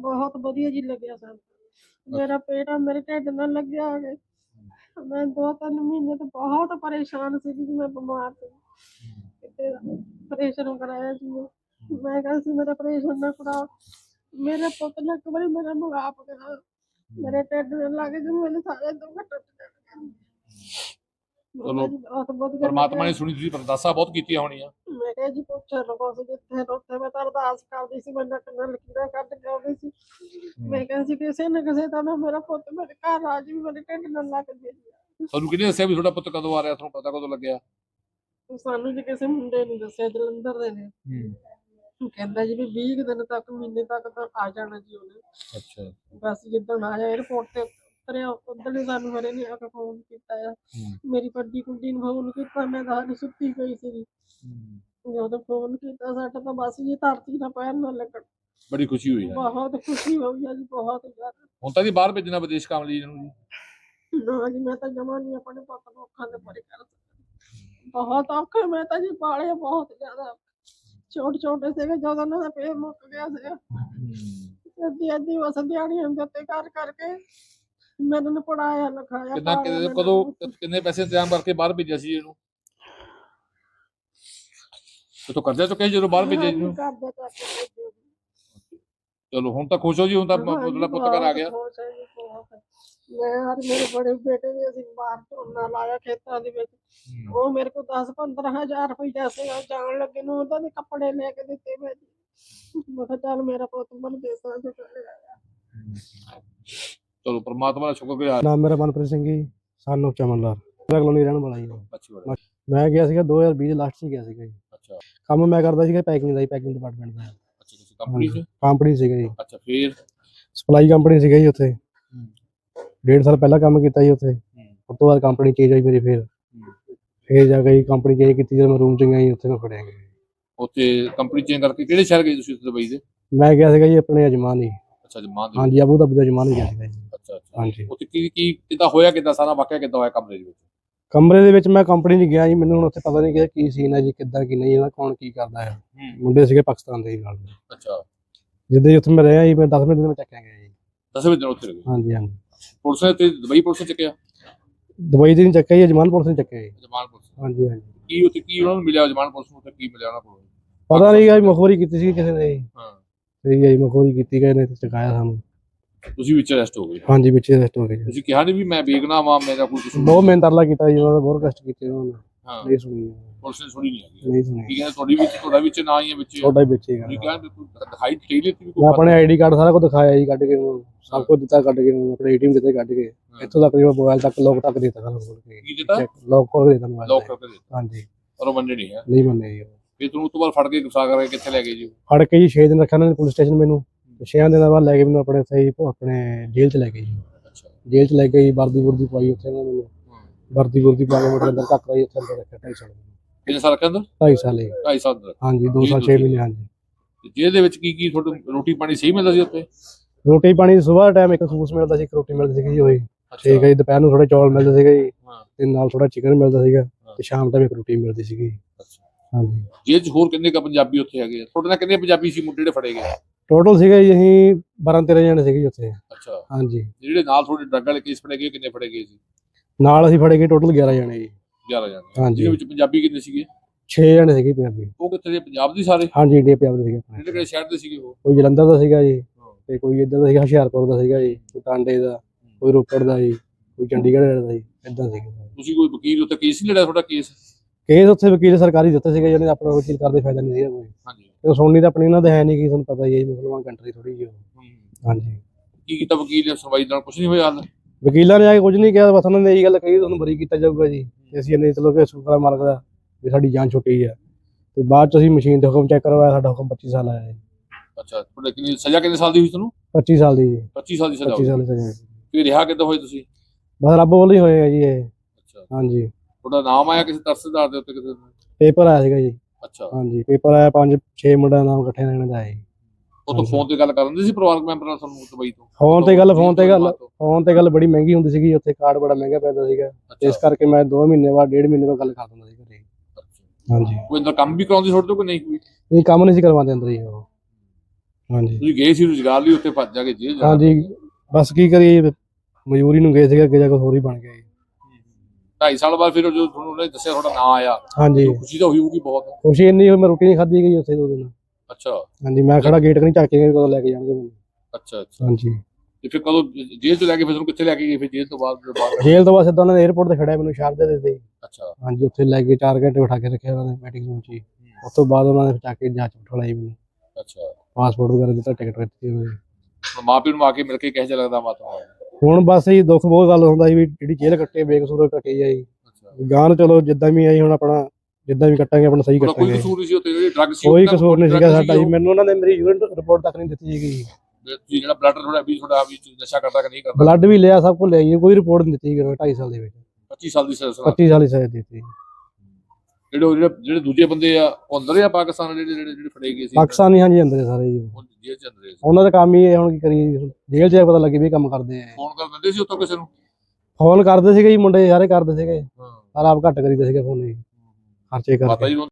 ਬਹੁਤ ਵਧੀਆ ਜੀ ਲੱਗਿਆ ਸਾਨੂੰ। ਮੇਰਾ ਪੇਟ ਮੇਰੇ ਢਿੱਡ ਨਾਲ ਲੱਗਿਆ ਹੋਵੇ। ਮੈਂ 2-3 ਮਹੀਨੇ ਤੋਂ ਬਹੁਤ ਪਰੇਸ਼ਾਨ ਸੀ ਜੀ, ਮੈਂ ਬਿਮਾਰ ਸੀ। ਕਿਤੇ ਆਪਰੇਸ਼ਨ ਕਰਾਇਆ ਸੀ ਮੈਂ ਕਿਹਾ ਸੀ ਮੇਰਾ ਆਪਰੇਸ਼ਨ ਨਾ ਕਰਾਓ। ਮੇਰੇ ਪੁੱਤ ਨੇ ਇੱਕ ਵਾਰੀ ਮੇਰਾ ਮੁਗਾਪ ਕਰਾ, ਮੇਰੇ ਢਿੱਡ ਨਾਲ ਲੱਗ ਕੇ ਮੇਰੇ ਸਾਰੇ ਦੁੱਖ ਟੁੱਟ ਗਏ। ਚਲੋ ਬਹੁਤ ਵਧੀਆ ਪਰਮਾਤਮਾ ਨੇ ਸੁਣੀ, ਤੁਸੀਂ ਅਰਦਾਸਾਂ ਬਹੁਤ ਕੀਤੀਆਂ ਹੋਣੀਆਂ। ਮੈਂ ਕਿਹਾ ਜੀ ਪੁੱਛ ਲਓ ਜਿੱਥੇ ਉੱਥੇ ਮੈਂ ਤਾਂ ਅਰਦਾਸ ਕਰਦੀ ਸੀ, ਮੈਂ ਨੱਕ ਨਾਲ ਲਕੀਰਾਂ ਕੱਢ ਕੇ ਆਉਂਦੀ ਸੀ। ਮੈਂ ਕਿਹਾ ਸੀ ਕਿਸੇ ਨਾ ਕਿਸੇ ਤਾਂ ਮੇਰਾ ਪੁੱਤ ਮੇਰੇ ਘਰ ਆ ਜੀ, ਮੇਰੇ ਢਿੱਡ ਨਾਲ ਲੱਗ ਜੇ। ਤੁਹਾਨੂੰ ਕਿਹਨੇ ਦੱਸਿਆ ਵੀ ਤੁਹਾਡਾ ਪੁੱਤ ਕਦੋਂ ਆ ਰਿਹਾ? ਤੁਹਾਨੂੰ ਪਤਾ ਕਦੋਂ ਲੱਗਿਆ? ਸਾਨੂੰ ਜੀ ਕਿਸੇ ਮੁੰਡੇ ਨੇ ਦੱਸਿਆ, ਜਲੰਧਰ ਦੇ ਨੇ। ਕਹਿੰਦਾ ਜੀ ਵੀ 20 ਦਿਨ ਤੱਕ, ਮਹੀਨੇ ਤੱਕ ਤਾਂ ਆ ਜਾਣਾ ਜੀ ਉਹਨੇ। ਅੱਛਾ। ਬਸ ਜਿੱਦਣ ਆਇਆ 에어ਪੋਰਟ ਤੇ ਉਤਰਿਆ ਉਦੋਂ ਹੀ ਸਾਨੂੰ ਮੇਰੇ ਨੇ ਆ ਕੇ ਫੋਨ ਕੀਤਾ ਆ। ਮੇਰੀ ਵੱਡੀ ਕੁੜੀ ਨੂੰ ਫੋਨ ਕੀਤਾ, ਮੈਂ ਤਾਂ ਹਾਲੇ ਸੁੱਤੀ ਪਈ ਸੀ। ਜਦੋਂ ਫੋਨ ਕੀਤਾ ਸਾਡਾ ਤਾਂ ਬਸ ਜੀ ਧਰਤੀ ਨਾਲ ਪੈਰ ਨਾ ਲੱਗਣ। ਬੜੀ ਖੁਸ਼ੀ ਹੋਈ ਹੈ। ਬਹੁਤ ਖੁਸ਼ੀ ਹੋਈ ਆ ਜੀ, ਬਹੁਤ ਜ਼ਿਆਦਾ। ਹੁਣ ਤਾਂ ਜੀ ਬਾਹਰ ਭੇਜਣਾ ਵਿਦੇਸ਼ ਕੰਮ ਲਈ ਇਹਨੂੰ ਜੀ? ਨਾ ਜੀ ਮੈਂ ਤਾਂ ਜਮਾ ਨਹੀਂ ਆਪਣੇ ਪੁੱਤ ਨੂੰ ਅੱਖਾਂ ਦੇ ਪਰੇ ਕਰ ਸਕਦੀ। ਬਹੁਤ ਔਖਾ ਮੈਂ ਤਾਂ ਜੀ ਪਾਲਿਆ ਬਹੁਤ ਜ਼ਿਆਦਾ। ਛੋਟੇ ਸੀਗੇ ਜਦੋਂ ਉਹਨਾਂ ਦਾ ਪੇਟ ਮੁੱਕ ਗਿਆ ਸੀਗਾ। ਅੱਧੀ ਬਸ ਦਿਹਾੜੀਆਂ ਦੇ ਉੱਤੇ ਕਰ ਕਰਕੇ ਮੈਨੂੰ ਪੜਾਇਆ ਲਿਖਾਇਆ। ਕਿੰਨੇ ਪੈਸੇ ਇੰਤਜ਼ਾਮ ਕਰਕੇ ਬਾਹਰ ਭੇਜਿਆ ਸੀ ਇਹਨੂੰ? ਤੋ ਕਰਜ਼ਾ ਚੁੱਕਿਆ ਜਦੋਂ ਬਾਹਰ ਭੇਜਿਆ ਜੀ? ਚਲੋ ਹੁਣ ਤਾਂ ਖੁਸ਼ ਹੋ ਜੀ, ਹੁਣ ਤਾਂ ਤੁਹਾਡਾ ਪੁੱਤ ਘਰ ਆ ਗਿਆ। ਮੈਂ ਹਰ ਮੇਰੇ ਬੜੇ ਬੇਟੇ ਨੇ ਅਸੀਂ ਬਾਹਰ ਝੋਨਾ ਲਾਇਆ ਖੇਤਾਂ ਦੇ ਵਿੱਚ। ਉਹ ਮੇਰੇ ਕੋਲ 10-15 ਹਜ਼ਾਰ ਰੁਪਈਆ ਸੀਗਾ, ਜਾਣ ਲੱਗੇ ਨੂੰ ਉਹਦਾ ਦੇ ਕੱਪੜੇ ਲੈ ਕੇ ਦਿੱਤੇ ਮੈਂ ਜੀ। ਮੈਂ ਕਿਹਾ ਚੱਲ ਮੇਰਾ ਪੁੱਤ ਮਨ ਦੇਸਾਂ ਚ ਚਲੇ ਆਇਆ। ਚਲੋ ਪਰਮਾਤਮਾ ਦਾ ਸ਼ੁਕਰਗੁਜ਼ਾਰ। ਨਾਮ ਮੇਰਾ ਮਨਪ੍ਰੀਤ ਸਿੰਘ ਜੀ, ਸਾਨੂੰ ਚਮਨਲਾਲ ਕਲੋਨੀ ਰਹਿਣ ਵਾਲਾ ਜੀ। ਮੈਂ ਗਿਆ ਸੀਗਾ 2020 ਦੇ ਲਾਸਟ 'ਚ ਗਿਆ ਸੀਗਾ ਜੀ। ਅੱਛਾ। ਕੰਮ ਮੈਂ ਕਰਦਾ ਸੀਗਾ ਪੈਕਿੰਗ ਦਾ ਜੀ, ਪੈਕਿੰਗ ਡਿਪਾਰਟਮੈਂਟ ਦਾ। ਅੱਛਾ, ਤੁਸੀਂ ਕੰਪਨੀ 'ਚ? ਕੰਪਨੀ ਸੀਗਾ ਜੀ। ਅੱਛਾ, ਫਿਰ ਸਪਲਾਈ ਕੰਪਨੀ ਸੀਗਾ ਜੀ ਉੱਥੇ। 1.5 ਸਾਲ ਪਹਿਲਾਂ ਕੰਮ ਕੀਤਾ ਜੀ ਉੱਥੇ। ਉਸ ਤੋਂ ਬਾਅਦ ਕੰਪਨੀ ਚੇਂਜ ਹੋਈ ਮੇਰੀ। ਫਿਰ ਜਾ ਕੇ ਕੰਪਨੀ ਚੇਂਜ ਕੀਤੀ, ਜਦੋਂ ਮੈਂ ਰੂਮ 'ਚ ਗਿਆ ਜੀ ਉੱਥੇ ਮੈਂ ਫੜਿਆ ਗਿਆ। ਉੱਥੇ ਕੰਪਨੀ ਚੇਂਜ ਕਰਕੇ ਕਿਹੜੇ ਸ਼ਹਿਰ ਗਏ ਤੁਸੀਂ ਦੁਬਈ ਦੇ? ਮੈਂ ਗਿਆ ਸੀਗਾ ਜੀ ਆਪਣੇ ਅਜਮਾਨ ਜੀ। ਅੱਛਾ, ਅਜਮਾਨ ਦੇ? ਹਾਂਜੀ, ਅਬੂ ਧਾਬੀ ਦਾ ਅਜਮਾਨ ਹੀ ਗਿਆ ਸੀਗਾ ਜੀ। ਅੱਛਾ ਅੱਛਾ। ਹਾਂਜੀ। ਉੱਥੇ ਕੀ ਕਿੱਦਾਂ ਹੋਇਆ, ਕਿੱਦਾਂ ਸਾਰਾ ਵਾਕਿਆ ਕਿੱਦਾਂ ਹੋਇਆ ਕਮਰੇ ਦੇ ਵਿੱਚ? ਕਮਰੇ ਦੇ ਵਿੱਚ ਮੈਂ ਕੰਪਨੀ 'ਚ ਗਿਆ ਜੀ, ਮੈਨੂੰ ਹੁਣ ਉੱਥੇ ਪਤਾ ਨਹੀਂ ਕਿ ਕੀ ਸੀਨ ਹੈ ਜੀ, ਕਿੱਦਾਂ ਕੀ ਨਹੀਂ, ਕੌਣ ਕੀ ਕਰਦਾ ਹੈ। ਮੁੰਡੇ ਸੀਗੇ ਪਾਕਿਸਤਾਨ ਦੇ ਨਾਲ। ਅੱਛਾ। ਜਿੱਦਾਂ ਉੱਥੇ ਮੈਂ ਰਿਹਾ ਜੀ, ਮੈਂ 10 ਦਿਨ ਚੱਕਿਆ ਗਿਆ ਜੀ। 10ਵੇਂ ਦਿਨ ਉੱਥੇ ਰਹੇ? ਹਾਂਜੀ ਹਾਂਜੀ। ਪੁਲਿਸ ਨੇ ਤੇ ਦੁਬਈ ਪੁਲਿਸ ਨੇ ਚੱਕਿਆ? ਦੁਬਈ ਦੀ ਨਹੀਂ ਚੱਕਿਆ ਜੀ, ਅਜਮਾਨ ਪੁਲਿਸ ਨੇ ਚੱਕਿਆ ਜੀ। Ajman police? ਹਾਂਜੀ ਹਾਂਜੀ। ਕੀ ਉੱਥੇ ਕੀ ਉਹਨਾਂ ਨੂੰ ਮਿਲਿਆ ਅਜਮਾਨ ਪੁਲਿਸ ਨੂੰ? ਕੀ ਮਿਲਿਆ ਉਹਨਾਂ ਕੋਲ? ਪਤਾ ਨਹੀਂ ਜੀ, ਮਖੌਰੀ ਕੀਤੀ ਸੀ ਕਿਸੇ ਨੇ ਜੀ। ਹਾਂ। ਸਹੀ ਹੈ ਜੀ, ਮਖੌਰੀ ਕੀਤੀ ਗਏ ਨੇ ਤੇ ਚਕਾਇਆ ਸਾਨੂੰ। ਤੁਸੀਂ ਵਿੱਚ ਅਰੈਸਟ ਹੋ ਗਏ? ਹਾਂਜੀ, ਵਿੱਚ ਅਰੈਸਟ ਹੋ ਗਏ। ਤੁਸੀਂ ਕਿਹਾ ਨਹੀਂ ਵੀ ਮੈਂ ਵੇਖਣਾ ਵਾ, ਮੇਰਾ ਕੋਈ ਕੁਝ? ਬਹੁਤ ਮਿਹਨਤ ਤਰਲਾ ਕੀਤਾ ਜੀ, ਉਹਨਾਂ ਦਾ ਬਹੁਤ ਕਸ਼ਟ ਕੀਤੇ ਉਹਨਾਂ ਨੇ। ਹਾਂ। ਨਹੀਂ ਸੁਣੀ ਪੁਲਿਸ ਨੇ ਸੁਣੀ ਨਹੀਂ? ਨਹੀਂ ਸੁਣੀ। ਕੀ ਕਹਿੰਦੇ ਤੁਹਾਡਾ ਵਿੱਚ ਨਾ ਹੀ ਹੈ ਵਿੱਚ? ਤੁਹਾਡਾ ਹੀ ਵਿੱਚ ਹੀ ਤੁਸੀਂ ਕਿਹਾ ਦਿਖਾਈ ਦੇ ਦਿੱਤੀ? ਮੈਂ ਆਪਣੇ ਆਈਡੀ ਕਾਰਡ ਸਾਰਾ ਕੁਝ ਦਿਖਾਇਆ ਜੀ, ਕੱਢ ਕੇ ਸਭ ਕੁਝ ਦਿੱਤਾ, ਕੱਢ ਕੇ ਆਪਣੇ ਏਟੀਐਮ ਦਿੱਤੇ, ਕੱਢ ਕੇ ਇੱਥੋਂ ਤੱਕ ਮੋਬਾਈਲ ਤੱਕ ਲੋਕ ਤੱਕ ਦਿੱਤਾ ਸਾਨੂੰ ਖੋਲ ਕੇ। ਕੀ ਦਿੱਤਾ? ਲੋਕ ਖੋਲ ਕੇ ਦਿੱਤਾ ਮੋਬਾਈਲ। ਲੋਕ ਕਰਕੇ ਦਿੱਤਾ? ਹਾਂਜੀ। ਪਰ ਉਹ ਮੰਨੇ ਨਹੀਂ ਹੈ? ਨਹੀਂ ਮੰਨੇ ਜੀ। ਫਿਰ ਤੁਹਾਨੂੰ ਉਸ ਤੋਂ ਬਾਅਦ ਫੜ ਕੇ ਗੁੱਸਾ ਕਰਕੇ ਕਿੱਥੇ ਲੈ ਗਏ ਜੀ? ਫੜ ਕੇ ਜੀ 6 ਦਿਨ ਰੱਖਿਆ ਉਹਨਾਂ ਨੇ ਪੁਲਿਸ ਸਟੇਸ਼ਨ ਮੈਨੂੰ। 6 ਦਿਨਾਂ ਬਾਅਦ ਲੈ ਕੇ ਮੈਨੂੰ ਆਪਣੇ ਸਹੀ ਆਪਣੇ ਜੇਲ੍ਹ 'ਚ ਲੈ ਗਏ ਜੀ। ਅੱਛਾ। ਜੇਲ੍ਹ 'ਚ ਲੈ ਕੇ ਵਰਦੀ ਵੁਰਦੀ ਪਾਈ ਉੱਥੇ ਉਹਨਾਂ ਨੇ ਮੈਨੂੰ। ਵਰਦੀ ਵੁਰਦੀ ਪਾ ਕੇ ਮੇਰੇ ਅੰਦਰ ਧੱਕ ਰਹੀ, ਉੱਥੇ ਅੰਦਰ ਰੱਖਿਆ 2.5 ਸਾਲ। ਕਿੰਨੇ ਸਾਲ ਰੱਖਿਆ ਅੰਦਰ? 2.5 ਸਾਲ ਜੀ। 2.5 ਸਾਲ ਅੰਦਰ? ਹਾਂਜੀ, 2 ਸਾਲ 6 ਮਹੀਨੇ। ਹਾਂਜੀ। ਜੇਲ੍ਹ ਦੇ ਵਿੱਚ ਕੀ ਤੁਹਾਨੂੰ ਰੋਟੀ ਪਾਣੀ ਸਹੀ ਮਿਲਦਾ ਸੀ ਉੱਥੇ? ਰੋਟੀ ਪਾਣੀ ਸੁਬਾਹ ਟਾਈਮ ਇੱਕ ਸੂਸ ਮਿਲਦਾ ਸੀ, ਇੱਕ ਰੋਟੀ ਮਿਲਦੀ ਸੀਗੀ ਜੀ ਉਹੀ। ਠੀਕ ਹੈ ਜੀ। ਦੁਪਹਿਰ ਨੂੰ ਥੋੜੇ ਚੌਲ ਮਿਲਦੇ ਸੀਗੇ ਜੀ, ਤੇ ਨਾਲ ਥੋੜਾ ਚਿਕਨ ਮਿਲਦਾ ਸੀਗਾ, ਤੇ ਸ਼ਾਮ ਟਾਈਮ ਇੱਕ ਰੋਟੀ ਮਿਲਦੀ ਸੀਗੀ। ਹਾਂਜੀ। ਜੇਲ੍ਹ 'ਚ ਹੋਰ ਕਿੰਨੇ ਕ ਪੰਜਾਬੀ ਉੱਥੇ ਹੈਗੇ ਆ? ਤੁਹਾਡੇ ਨਾਲ ਕਿੰਨੇ ਪੰਜਾਬੀ ਸੀ ਮੁੰਡੇ ਜਿਹੜੇ ਫੜੇ ਗਏ? ਟੋਟਲ ਸੀਗੇ ਜੀ ਅਸੀਂ 12-13 ਜਣੇ ਸੀਗੇ ਉੱਥੇ। ਅੱਛਾ। ਹਾਂਜੀ। ਜਿਹੜੇ ਨਾਲ ਤੁਹਾਡੇ ਡਰੱਗ ਵਾਲੇ ਕੇਸ ਫੜੇ ਗਏ ਕਿੰਨੇ ਫੜੇ ਗਏ ਸੀ? ਨਾਲ ਅਸੀਂ ਫੜੇ ਗਏ ਟੋਟਲ 11 ਜਣੇ ਜੀ। 11 ਜਣੇ? ਹਾਂਜੀ। ਜਿਹਦੇ ਵਿੱਚ ਪੰਜਾਬੀ ਕਿੰਨੇ ਸੀਗੇ? 6 ਜਣੇ ਸੀਗੇ ਪੰਜਾਬੀ। ਉਹ ਕਿੱਥੇ ਦੇ? ਪੰਜਾਬ ਦੇ ਸਾਰੇ? ਹਾਂਜੀ, ਇੰਡੀਆ ਪੰਜਾਬ ਦੇ ਸੀਗੇ। ਕਿਹੜੇ ਸ਼ਹਿਰ ਦੇ ਸੀਗੇ ਉਹ? ਕੋਈ ਜਲੰਧਰ ਦਾ ਸੀਗਾ ਜੀ, ਤੇ ਕੋਈ ਇੱਧਰ ਦਾ ਸੀਗਾ ਹੁਸ਼ਿਆਰਪੁਰ ਦਾ ਸੀਗਾ ਜੀ, ਕੋਈ ਟਾਂਡੇ ਦਾ, ਕੋਈ ਰੋਪੜ ਦਾ ਜੀ, ਕੋਈ ਚੰਡੀਗੜ੍ਹ ਦਾ ਜੀ, ਏਦਾਂ ਸੀਗੇ। ਤੁਸੀਂ ਕੋਈ ਵਕੀਲ ਉੱਥੇ ਕੇਸ ਨਹੀਂ ਲੜਿਆ ਤੁਹਾਡਾ? ਕੇਸ ਉੱਥੇ ਵਕੀਲ ਸਰਕਾਰੀ ਦਿੱਤੇ ਸੀਗੇ, ਜਿਹਨੇ ਆਪਣਾ ਵਕੀਲ ਕਰਦੇ ਫਾਇਦਾ ਨਹੀਂ ਸੀਗਾ ਕੋਈ। ਹਾਂਜੀ। ਤੇ ਸੁਣਨੀ ਤਾਂ ਆਪਣੀ ਇਹਨਾਂ ਦੇ ਹੈ ਨਹੀਂ, ਕਿ ਤੁਹਾਨੂੰ ਪਤਾ ਹੀ ਹੈ ਜੀ, ਮੁਸਲਮਾਨ ਕੰਟਰੀ ਥੋੜੀ ਜਿਹੀ। ਹਾਂਜੀ। ਕੀ ਕੀਤਾ ਵਕੀਲ ਨੇ? ਸੁਣਵਾਈ ਨਾਲ ਕੁਝ ਨਹੀਂ ਹੋਇਆ ਹਾਲ? ਵਕੀਲਾਂ ਨੇ ਆ ਕੇ ਕੁਝ ਨਹੀਂ ਕਿਹਾ, ਬਸ ਉਹਨਾਂ ਨੇ ਇਹੀ ਗੱਲ ਕਹੀ ਤੁਹਾਨੂੰ ਬਰੀ ਕੀਤਾ ਜਾਊਗਾ ਜੀ। ਤੇ ਅਸੀਂ ਇਹਨੇ ਚਲੋ ਕਿ ਸ਼ੁਕਰ ਮਾਲਕ ਦਾ ਵੀ ਸਾਡੀ ਜਾਨ ਛੁੱਟੀ ਹੈ। ਤੇ ਬਾਅਦ ਚ ਅਸੀਂ ਮਸ਼ੀਨ ਤੇ ਹੁਕਮ ਚੈੱਕ ਕਰਵਾਇਆ, ਸਾਡਾ ਹੁਕਮ 25 ਸਾਲ ਆਇਆ ਜੀ। ਅੱਛਾ। ਤੁਹਾਡੇ ਕਿੰਨੀ ਸਜ਼ਾ ਕਿੰਨੇ ਸਾਲ ਦੀ ਹੋਈ ਤੁਹਾਨੂੰ? 25 ਸਾਲ ਦੀ ਜੀ। 25 ਸਾਲ ਦੀ ਸਜ਼ਾ? 25 ਸਾਲ ਦੀ ਸਜ਼ਾ। ਫਿਰ ਰਿਹਾ ਕਿੱਦਾਂ ਹੋਏ ਤੁਸੀਂ? ਬਸ ਰੱਬ ਵੱਲੋਂ ਹੀ ਹੋਏ ਆ ਜੀ ਇਹ। ਅੱਛਾ। ਹਾਂਜੀ। ਤੁਹਾਡਾ ਨਾਮ ਆਇਆ ਕਿਸੇ ਤਰਸਦਾਰ ਦੇ ਉੱਤੇ ਕਿਸੇ? ਪੇਪਰ ਆਇਆ ਸੀਗਾ ਜੀ। ਅੱਛਾ। ਹਾਂਜੀ, ਪੇਪਰ ਆਇਆ, 5-6 ਮੁੰਡਿਆਂ ਦਾ ਨਾਮ ਇਕੱਠੇ ਰਹਿਣ ਦਾ ਹੈ। ਉਹ ਤਾਂ ਫੋਨ ਤੇ ਗੱਲ ਕਰ ਦਿੰਦੇ ਸੀ ਪਰਿਵਾਰਕ ਮੈਂਬਰ ਨਾਲ ਤੁਹਾਨੂੰ ਦੁਬਈ ਤੋਂ? ਫੋਨ ਤੇ ਗੱਲ ਬੜੀ ਮਹਿੰਗੀ ਹੁੰਦੀ ਸੀਗੀ ਉੱਥੇ, ਕਾਰਡ ਬੜਾ ਮਹਿੰਗਾ ਪੈਂਦਾ ਸੀਗਾ, ਇਸ ਕਰਕੇ ਮੈਂ 2 ਮਹੀਨੇ ਬਾਅਦ 1.5 ਮਹੀਨੇ ਬਾਅਦ ਗੱਲ ਕਰ ਦਿੰਦਾ ਸੀ ਘਰੇ। ਹਾਂਜੀ। ਕੋਈ ਅੰਦਰ ਕੰਮ ਵੀ ਕਰਾਉਂਦੀ ਤੁਹਾਡੇ ਤੋਂ ਕਿ ਨਹੀਂ? ਕੋਈ ਕੰਮ ਨਹੀਂ ਸੀ ਕਰਵਾਉਂਦੇ ਅੰਦਰ ਹੀ ਉਹ। ਹਾਂਜੀ ਤੁਸੀਂ ਗਏ ਸੀ ਰੁਜ਼ਗਾਰ ਲਈ, ਉੱਥੇ ਫਸ ਜਾ ਕੇ ਜੇਲ੍ਹ ਜਾ ਹਾਂਜੀ ਬਸ ਕੀ ਕਰੀਏ, ਮਜਬੂਰੀ ਨੂੰ ਗਏ ਸੀਗੇ, ਅੱਗੇ ਜਾ ਕੇ ਹੋਰ ਹੀ ਬਣ ਗਿਆ ਜੀ। 2.5 ਸਾਲ ਬਾਅਦ ਫਿਰ ਜੋ ਤੁਹਾਨੂੰ ਉਹਨੇ ਦੱਸਿਆ ਤੁਹਾਡਾ ਨਾਂ ਆਇਆ, ਹਾਂਜੀ ਖੁਸ਼ੀ ਤਾਂ ਹੋਈ ਹੋਊਗੀ ਬਹੁਤ। ਖੁਸ਼ੀ ਇੰਨੀ ਹੋਈ, ਮੈਂ ਰੋਟੀ ਨਹੀਂ ਖਾਧੀ ਗਈ ਉੱਥੇ 2 ਦਿਨ। ਅੱਛਾ ਹਾਂਜੀ ਮੈਂ ਖੜਾ ਗੇਟ ਕਨੀ ਝਾਕੇ ਗਏ ਕਦੋਂ ਲੈ ਕੇ ਜਾਣਗੇ ਮੈਨੂੰ। ਅੱਛਾ ਅੱਛਾ। ਹਾਂਜੀ ਤੇ ਫਿਰ ਕਦੋਂ ਜੇਲ੍ਹ ਤੋਂ ਲੈ ਕੇ ਫਿਰ ਤੁਹਾਨੂੰ ਕਿੱਥੇ ਲੈ ਕੇ ਗਏ ਫਿਰ ਜੇਲ੍ਹ ਤੋਂ ਬਾਅਦ ਜਦੋਂ ਬਾਹਰ ਜੇਲ੍ਹ ਤੋਂ ਬਾਅਦ ਸਿੱਧਾ ਉਹਨਾਂ ਨੇ 에어ਪੋਰਟ ਤੇ ਖੜਿਆ ਮੈਨੂੰ ਸ਼ਾਰਜਾ ਦੇ ਦਿੱਤੇ। ਅੱਛਾ ਹਾਂਜੀ ਉੱਥੇ ਲੈ ਕੇ 4 ਘੰਟੇ ਬਿਠਾ ਕੇ ਰੱਖਿਆ ਉਹਨਾਂ ਨੇ ਮੀਟਿੰਗ ਰੂਮ 'ਚ ਹੀ। ਉਸ ਤੋਂ ਬਾਅਦ ਉਹਨਾਂ ਨੇ ਚੱਕ ਕੇ ਜਾਂਚ ਬਿਠਾਈ ਮੈਨੂੰ, ਅੱਛਾ। ਪਾਸਪੋਰਟ ਵਗੈਰਾ ਦਿੱਤਾ, ਟਿਕਟ ਦਿੱਤੀ ਉਹਨਾਂ ਨੇ। ਹੁਣ ਮਾਂ ਪਿਓ ਨੂੰ ਆ ਕੇ ਮਿਲ ਕੇ ਕਿਹੋ ਜਿਹਾ ਲੱਗਦਾ ਮਾਤਾ? ਹੁਣ ਬਸ ਇਹ ਦੁੱਖ ਬਹੁਤ ਗੱਲ ਹੁੰਦਾ ਸੀ ਵੀ ਜਿਹੜੀ ਜੇਲ੍ਹ ਕੱਟੇ ਬੇਕਸੂਰ ਕੱਟੀ ਜਾਈ। ਅੱਛਾ। ਗਾਂ ਨੂੰ ਚਲੋ ਜਿੱਦਾਂ ਵੀ ਆਈ ਹੁਣ ਆਪਣਾ ਜਿੱਦਾਂ ਵੀ ਕੱਟਾਂਗੇ ਆਪਣਾ ਸਹੀ ਉਹਦਾ ਕੋਈ ਕੱਟਾਂਗੇ। ਕਸੂਰ ਨਹੀਂ ਸੀ ਉੱਥੇ, ਜਿਹੜੀ ਡਰੱਗ ਸੀ ਕੋਈ ਉਹਦਾ ਕਸੂਰ ਨਹੀਂ ਸੀਗਾ drug ਸਾਡਾ ਜੀ। ਉਹ? ਮੈਨੂੰ ਉਹਨਾਂ ਨੇ ਮੇਰੀ ਯੂਰਿਨ ਰਿਪੋਰਟ ਤੱਕ ਨਹੀਂ ਦਿੱਤੀ ਸੀਗੀ। ਤੁਸੀਂ ਜਿਹੜਾ ਬਲੱਡ ਤੁਹਾਡਾ ਵੀ ਨਸ਼ਾ ਕਰਦਾ ਕਿ ਨਹੀਂ ਕਰਦਾ? ਬਲੱਡ ਵੀ ਲਿਆ, ਸਭ ਕੁਝ ਲਿਆ ਜੀ, ਕੋਈ ਰਿਪੋਰਟ ਨਹੀਂ ਦਿੱਤੀ 2.5 ਸਾਲ ਦੇ ਵਿੱਚ। 25 ਸਾਲ ਦੀ ਸਜ਼ਾ। 25 ਸਾਲ ਦੀ ਸਜ਼ਾ ਦਿੱਤੀ। ਜਿਹੜੇ ਦੂਜੇ ਬੰਦੇ ਆ ਉਹ ਅੰਦਰ ਆ ਪਾਕਿਸਤਾਨ, ਜਿਹੜੇ ਫੜੇ ਗਏ ਸੀ ਪਾਕਿਸਤਾਨੀ ਹਾਂਜੀ ਅੰਦਰ ਹੈ ਸਾਰੇ ਜੀ। ਉਹ ਜੇਲ੍ਹ ਚ ਅੰਦਰ ਸੀ। ਉਹਨਾਂ ਦਾ ਕੰਮ ਹੀ ਇਹ, ਹੁਣ ਕੀ ਕਰੀਏ, ਜੇਲ੍ਹ 'ਚ ਪਤਾ ਲੱਗੇ ਵੀ ਇਹ ਕੰਮ ਕਰਦੇ ਆ। ਫੋਨ ਕਰ ਦਿੰਦੇ ਸੀ ਉੱਥੋਂ ਕਿਸੇ ਨੂੰ? ਫੋਨ ਕਰਦੇ ਸੀਗੇ ਜੀ, ਮੁੰਡੇ ਸਾਰੇ ਕਰਦੇ ਸੀਗੇ, ਹਾਂ। ਪਰ ਆਪ ਘੱਟ ਕਰੀਦਾ ਸੀਗਾ ਫੋਨ ਜੀ, ਖਰਚੇ ਮਾਤਾ ਕਰਕੇ। ਜੀ ਨੂੰ